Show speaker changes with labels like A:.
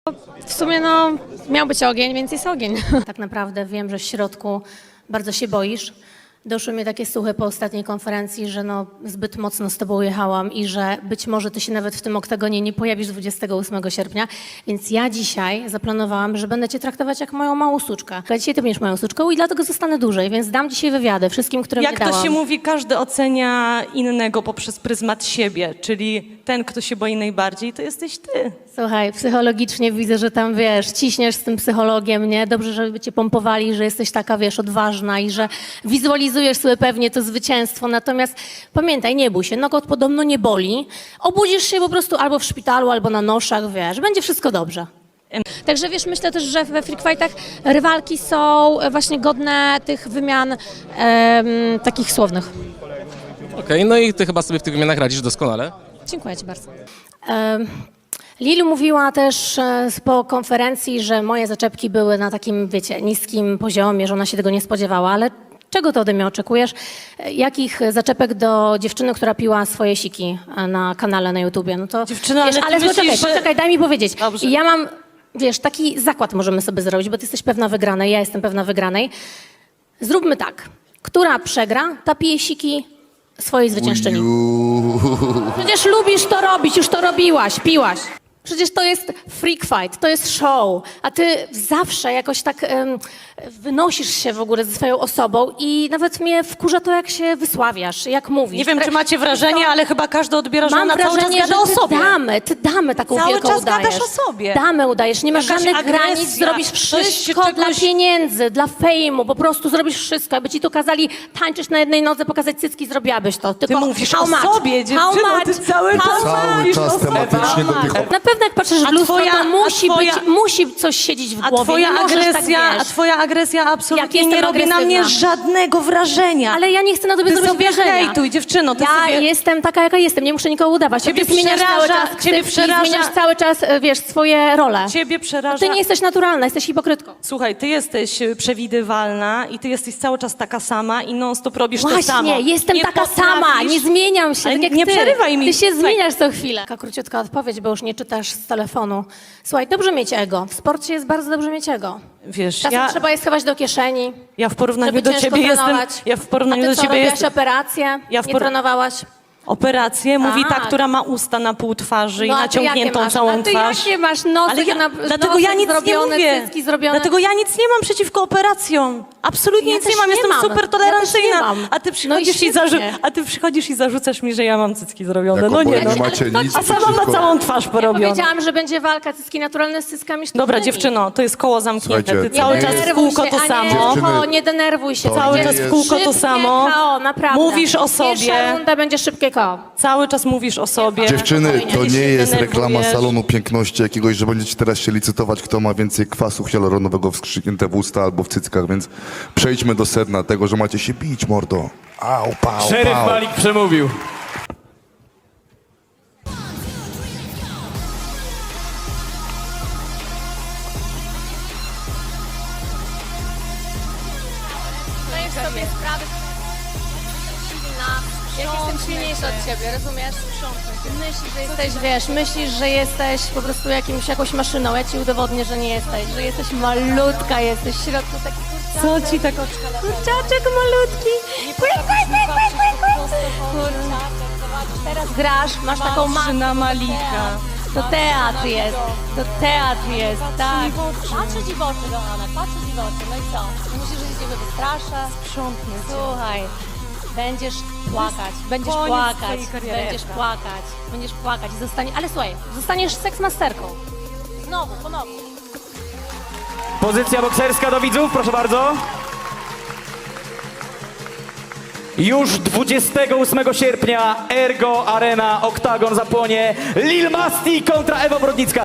A: W sumie no, miał być ogień, więc jest ogień. Tak naprawdę wiem, że w środku bardzo się boisz. Doszły mnie takie słuchy po ostatniej konferencji, że no, zbyt mocno z tobą jechałam i że być może ty się nawet w tym oktagonie nie pojawisz 28 sierpnia. Więc ja dzisiaj zaplanowałam, że będę cię traktować jak moją małą suczkę. A dzisiaj ty będziesz moją suczką i dlatego zostanę dłużej, więc dam dzisiaj wywiady wszystkim, które
B: Jak
A: mnie dałam.
B: to się mówi, każdy ocenia innego poprzez pryzmat siebie, czyli ten, kto się boi najbardziej, to jesteś ty.
A: Słuchaj, psychologicznie widzę, że tam, wiesz, ciśniesz z tym psychologiem, nie? Dobrze, żeby cię pompowali, że jesteś taka, wiesz, odważna i że wizualizujesz sobie pewnie to zwycięstwo. Natomiast pamiętaj, nie bój się, nogot podobno nie boli. Obudzisz się po prostu albo w szpitalu, albo na noszach, wiesz, będzie wszystko dobrze. Także wiesz, myślę też, że we freak fightach rywalki są właśnie godne tych wymian takich słownych.
C: Okej, no i ty chyba sobie w tych wymianach radzisz doskonale.
A: Dziękuję ci bardzo. Lili mówiła też po konferencji, że moje zaczepki były na takim, wiecie, niskim poziomie, że ona się tego nie spodziewała, ale czego ty ode mnie oczekujesz? Jakich zaczepek do dziewczyny, która piła swoje siki na kanale na YouTubie? No to,
B: Dziewczyno,
A: wiesz,
B: ale ty
A: ale
B: myślisz, że-
A: poczekaj, daj mi powiedzieć.
B: Dobrze.
A: I ja mam, wiesz, taki zakład możemy sobie zrobić, bo ty jesteś pewna wygranej, ja jestem pewna wygranej. Zróbmy tak. Która przegra, ta pije siki swojej zwyciężczyni. Przecież lubisz to robić, już to robiłaś, piłaś. Przecież to jest freak fight, to jest show, a ty zawsze jakoś tak wynosisz się w ogóle ze swoją osobą i nawet mnie wkurza to, jak się wysławiasz, jak mówisz.
B: Nie wiem, czy macie wrażenie, ale chyba każdy odbiera, że
A: Mam
B: ona cały czas
A: wrażenie,
B: gada
A: że
B: o
A: ty
B: sobie.
A: damy taką
B: Cały
A: wielką
B: czas
A: udajesz.
B: gadasz o sobie.
A: Damy udajesz, nie masz
B: Jakaś
A: żadnych
B: agresja,
A: granic, zrobisz
B: coś
A: wszystko
B: się
A: dla
B: czegoś-
A: pieniędzy, dla fejmu, po prostu zrobisz wszystko. Jakby ci tu kazali tańczyć na jednej nodze, pokazać cycki, zrobiłabyś to. Tylko
B: mówisz
A: how
B: o
A: much?
B: sobie,
A: How
B: dziewczyno,
A: much?
B: ty cały
A: How
B: czas
A: much?
B: mówisz
D: Cały
B: o
D: czas
B: sobie.
D: tematycznie do tych
A: Na pewno jak patrzysz w lustro, to musi coś siedzieć w
B: A
A: głowie.
B: twoja
A: nie możesz
B: agresja,
A: tak, wiesz.
B: a twoja agresja
A: Jak
B: absolutnie
A: jestem
B: nie robi na mnie
A: agresywna.
B: żadnego wrażenia.
A: Ale ja nie chcę na tobie
B: Ty
A: zrobić
B: sobie
A: wrażenia.
B: hejtuj, dziewczyno, ty
A: Ja
B: sobie...
A: jestem taka, jaka jestem, nie muszę nikogo udawać.
B: Ciebie
A: Ty zmieniasz cały
B: przeraża-
A: czas
B: ciebie
A: ksywki,
B: przeraża-
A: zmieniasz cały czas, wiesz, swoje role.
B: Ciebie przeraża...
A: Ty nie jesteś naturalna, jesteś hipokrytką.
B: Słuchaj, ty jesteś przewidywalna i ty jesteś cały czas taka sama i non stop robisz to
A: Właśnie,
B: samo.
A: jestem
B: Nie
A: taka
B: potrafisz-
A: sama, nie zmieniam się,
B: Ale
A: tak jak
B: nie
A: ty.
B: przerywaj mi.
A: Ty się
B: Słuchaj.
A: zmieniasz co chwilę. Taka króciutka odpowiedź, bo już nie czytasz z telefonu. Słuchaj, dobrze mieć ego. W sporcie jest bardzo dobrze mieć ego.
B: Wiesz,
A: Czasem trzeba je schować do kieszeni,
B: ja w porównaniu
A: żeby
B: do
A: ciężko
B: ciebie
A: trenować.
B: jestem... Ja w porównaniu
A: A ty
B: do
A: co,
B: ciebie
A: robiłaś
B: jestem...
A: operację?
B: Ja w
A: Nie
B: por-
A: trenowałaś?
B: Operację mówi ta,
A: Tak.
B: która ma usta na pół twarzy i
A: No, a ty jakie
B: naciągniętą
A: masz?
B: całą
A: A ty
B: twarz.
A: jakie masz? Nosy
B: Ale ja,
A: na,
B: dlatego
A: nosy
B: ja nic
A: zrobione,
B: nie mówię.
A: cycki zrobione.
B: Dlatego ja nic nie mam przeciwko operacjom. Absolutnie
A: Ja
B: nic nie
A: też
B: mam,
A: nie
B: jestem
A: mam.
B: super
A: Ja
B: tolerancyjna.
A: też nie mam.
B: A, ty
A: No
B: przychodzisz
A: i
B: i
A: świetnie.
B: a ty przychodzisz i zarzucasz mi, że ja mam cycki zrobione.
D: Jako
B: No nie,
D: boja
B: no.
D: nie macie nic
B: A sama ma
D: przeciwko.
B: całą twarz porobiona.
A: Powiedziałam, że będzie walka cycki naturalne z cyckami sztucznymi.
B: Dobra, dziewczyno, to jest koło zamknięte.
D: Słuchajcie,
B: Ty cały
D: nie
B: czas w
D: denerwuj
B: kółko to samo.
D: Dziewczyny,
A: Nie denerwuj się.
D: to
B: Cały
D: nie
B: czas w
D: jest-
B: kółko to
A: Szybkie
B: samo.
A: KO, naprawdę.
B: Mówisz o sobie.
A: Pierwsza runda będzie szybkie KO.
B: Cały czas mówisz o sobie.
D: Dziewczyny, to
B: Ty się
D: nie jest reklama
B: denerwujesz.
D: salonu piękności jakiegoś, że będziecie teraz się licytować, kto ma więcej kwasu hialuronowego wstrzyknięte w usta albo w cyckach, więc przejdźmy do sedna tego, że macie się bić, mordo. Au, pał,
E: Szeryf
D: pał.
E: Malik przemówił.
A: Zdajesz sobie sprawę, silna, jak jestem silniejsza od ciebie, rozumiesz? Myślisz, że jesteś, wiesz, myślisz, że jesteś po prostu jakąś maszyną. Ja ci udowodnię, że nie jesteś, że jesteś malutka, jesteś w środku taki kurczaczek.
B: Co ci tak...
A: Kurczaczek malutki. Kurczaczek, zobacz, teraz grasz, masz taką maskę.
B: na Malika.
A: To teatr jest, tak. Patrzę ci w oczy, kochana, patrzę ci w oczy, no i co? Myślisz, że się ciebie wystraszę?
B: Sprzątnę cię.
A: Słuchaj, będziesz płakać, będziesz
B: Koniec
A: płakać,
B: twojej kariery.
A: będziesz płakać i ale słuchaj, zostaniesz seksmasterką. Znowu, ponownie.
E: Pozycja bokserska do widzów, proszę bardzo. Już 28 sierpnia Ergo Arena Oktagon zapłonie. Lil Masti kontra Ewa Brodnicka.